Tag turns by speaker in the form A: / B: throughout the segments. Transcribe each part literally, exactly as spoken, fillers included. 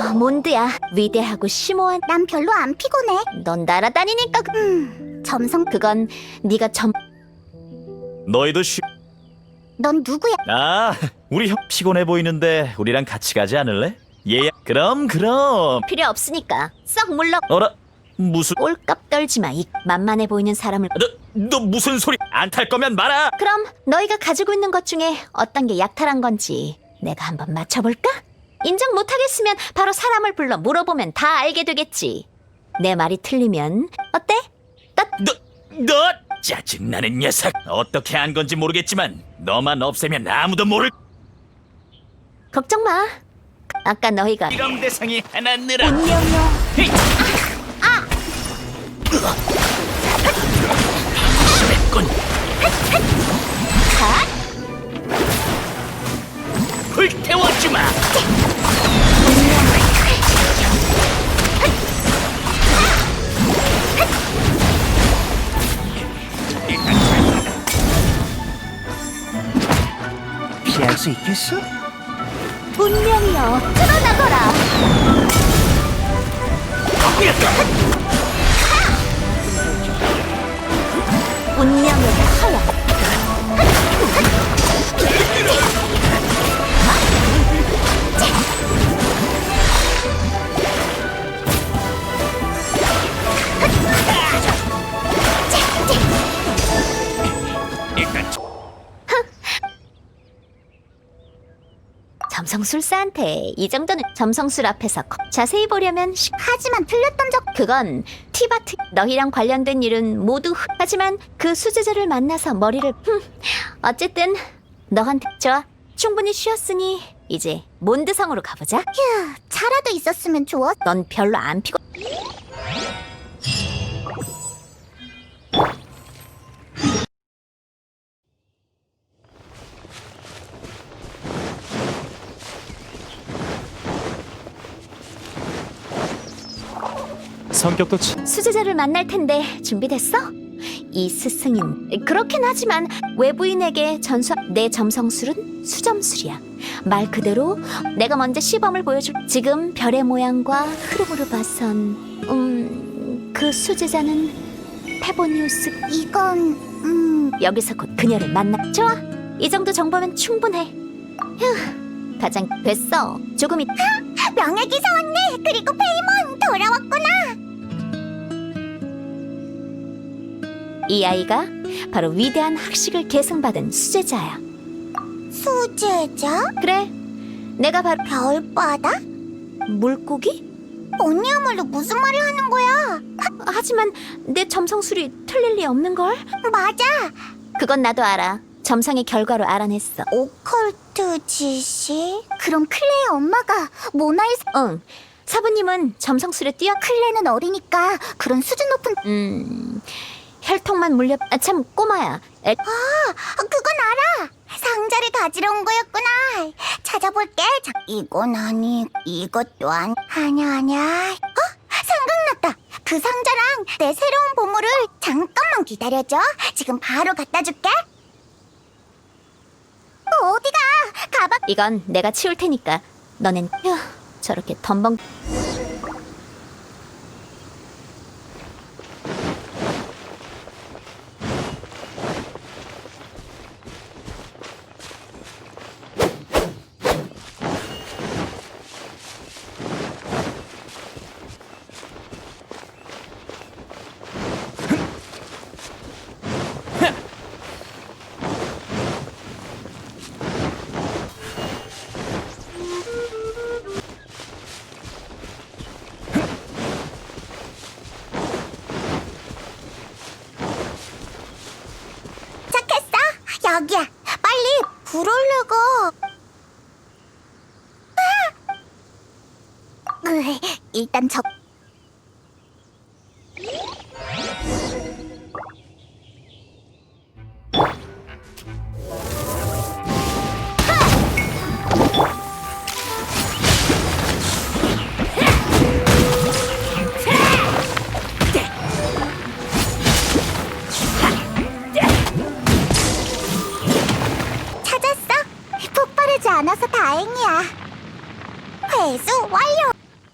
A: 어, 몬드야. 위대하고 심오한.
B: 난 별로 안 피곤해.
A: 넌 날아다니니까. 그-
B: 음, 점성.
A: 그건 네가 점.
C: 너희도 쉬...
B: 넌 누구야?
C: 아, 우리 형 피곤해 보이는데 우리랑 같이 가지 않을래? 얘야. 그럼 그럼.
A: 필요 없으니까 썩 물러.
C: 어라? 무슨...
A: 꼴값 떨지 마. 이 만만해 보이는 사람을.
C: 너, 너 무슨 소리? 안 탈 거면 말아.
A: 그럼 너희가 가지고 있는 것 중에 어떤 게 약탈한 건지 내가 한번 맞춰볼까? 인정 못하겠으면 바로 사람을 불러 물어보면 다 알게 되겠지. 내 말이 틀리면 어때? 딱
C: 너, 너 짜증나는 녀석. 어떻게 한 건지 모르겠지만 너만 없애면 아무도 모를...
A: 걱정 마. 아까 너희가
C: 실험 대상이 하나 늘어.
A: 운명이요.
C: 심했군. 불태워주마.
D: 피할 수 있겠어?
A: 운명이여 드러나거라. 운명의 하야.
C: 일단
A: 점성술사한테 이 정도는 점성술 앞에서 거- 자세히 보려면 시-
B: 하지만 틀렸던 적.
A: 그건 티바트. 너희랑 관련된 일은 모두 흑. 하지만 그 수제자를 만나서 머리를 흠. 어쨌든 너한테 좋아. 충분히 쉬었으니 이제 몬드성으로 가보자.
B: 휴, 차라도 있었으면 좋았.
A: 넌 별로 안 피곤.
C: 성격도 치...
A: 수제자를 만날 텐데 준비됐어? 이 스승인 그렇긴 하지만 외부인에게 전수. 내 점성술은 수점술이야. 말 그대로 내가 먼저 시범을 보여줄. 지금 별의 모양과 흐름으로 봐선 음그 수제자는 페보니우스.
B: 이건 음
A: 여기서 곧 그녀를 만나. 좋아, 이 정도 정보면 충분해. 휴, 가장 됐어. 조금 있.
B: 명예기사 왔네. 그리고 페이몬 돌아왔구나.
A: 이 아이가 바로 위대한 학식을 계승받은 수제자야.
B: 수제자?
A: 그래, 내가 바로
B: 별바다?
A: 물고기?
B: 언니야말로 무슨 말을 하는 거야?
A: 하지만 내 점성술이 틀릴 리 없는걸?
B: 맞아.
A: 그건 나도 알아. 점성의 결과로 알아냈어.
B: 오컬트 지시? 그럼 클레의 엄마가 모나의 사...
A: 응, 사부님은 점성술에 뛰어.
B: 클레는 어리니까 그런 수준 높은...
A: 음... 혈통만 물려... 아, 참, 꼬마야. 애...
B: 아, 그건 알아. 상자를 가지러 온 거였구나. 찾아볼게. 자, 이건 아니, 이것도 아니. 아냐, 아냐. 어? 생각났다. 그 상자랑 내 새로운 보물을 잠깐만 기다려줘. 지금 바로 갖다 줄게. 어디가? 가방...
A: 이건 내가 치울 테니까 너넨... 휴, 저렇게 덤벙...
B: 착했어. 여기야. 빨리 불 올려고. 아! 으이, 일단 저... 않아서 다행이야. 회수 완료!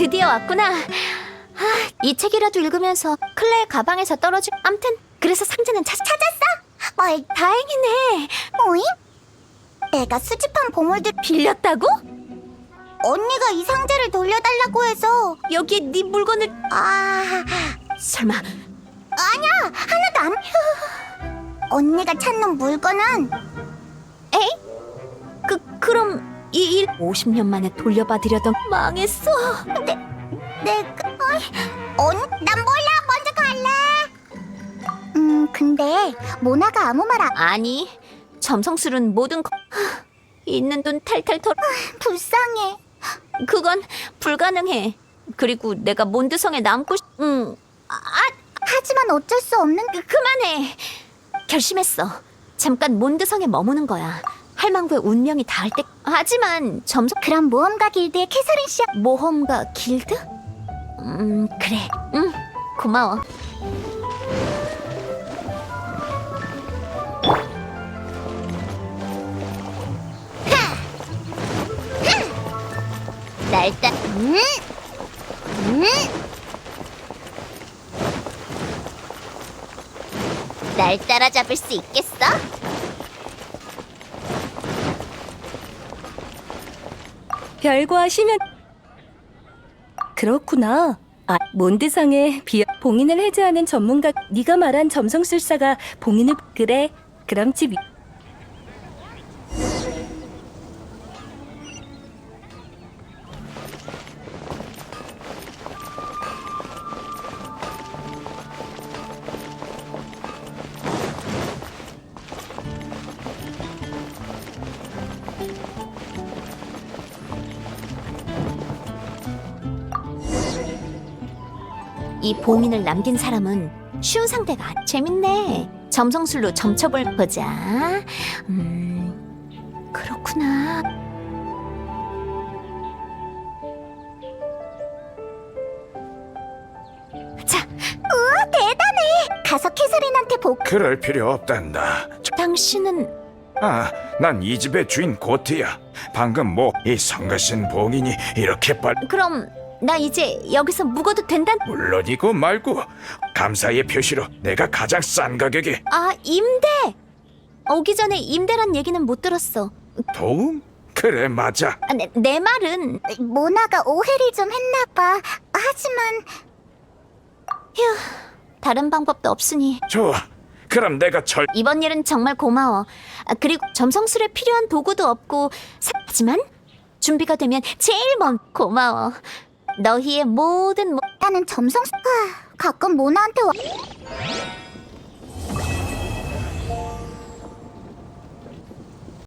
A: 드디어 왔구나. 아, 이 책이라도 읽으면서 클레의 가방에서 떨어진. 암튼 그래서 상자는 찾,
B: 찾았어? 뭘
A: 다행이네.
B: 모임? 내가 수집한 보물들
A: 빌렸다고?
B: 언니가 이 상자를 돌려달라고 해서
A: 여기에 네 물건을.
B: 아
A: 설마
B: 아니야 하나도 안 언니가 찾는 물건은
A: 에이? 그 그럼 이 일 오십 년 만에 돌려받으려던. 망했어.
B: 내가 어이, 언, 난 몰라 먼저 갈래 음 근데 모나가 아무 말 안
A: 아니, 점성술은 모든 거... 하, 있는 돈 탈탈 털.
B: 불쌍해
A: 그건 불가능해. 그리고 내가 몬드성에 남고 싶... 응. 아,
B: 하지만 어쩔 수 없는
A: 그, 그만해. 결심했어. 잠깐 몬드성에 머무는 거야. 할망구의 운명이 닿을 때. 하지만 점성...
B: 그럼 모험가 길드의 캐서린 씨
A: 모험가 길드? 음, 그래. 응, 고마워.
B: 날 따... 음? 음? 날 따라잡을 수 있겠어?
E: 별거하시면. 그렇구나. 아, 몬드성의 비 봉인을 해제하는 전문가. 네가 말한 점성술사가 봉인을. 그래. 그럼 집. 위-
A: 이 봉인을 남긴 사람은 쉬운 상대가 아니- 재밌네. 점성술로 점쳐볼 보자. 음, 그렇구나. 자,
B: 우와 대단해 가서 캐서린한테 보
F: 그럴 필요 없단다.
A: 당신은
F: 아, 난 이 집의 주인 고트야. 방금 뭐 이 성가신 봉인이 이렇게 빨
A: 그럼 나 이제 여기서 묵어도 된다.
F: 물론이고 말고 감사의 표시로 내가 가장 싼 가격에
A: 아, 임대. 오기 전에 임대란 얘기는 못 들었어.
F: 도움? 그래 맞아.
A: 아, 내, 내 말은
B: 모나가 오해를 좀 했나봐 하지만
A: 다른 방법도 없으니
F: 좋아. 그럼 내가 절
A: 이번 일은 정말 고마워. 아, 그리고 점성술에 필요한 도구도 없고 사- 하지만 준비가 되면 제일 먼 고마워. 너희의 모든 모...
B: 나는 점성 하, 가끔 모나한테 와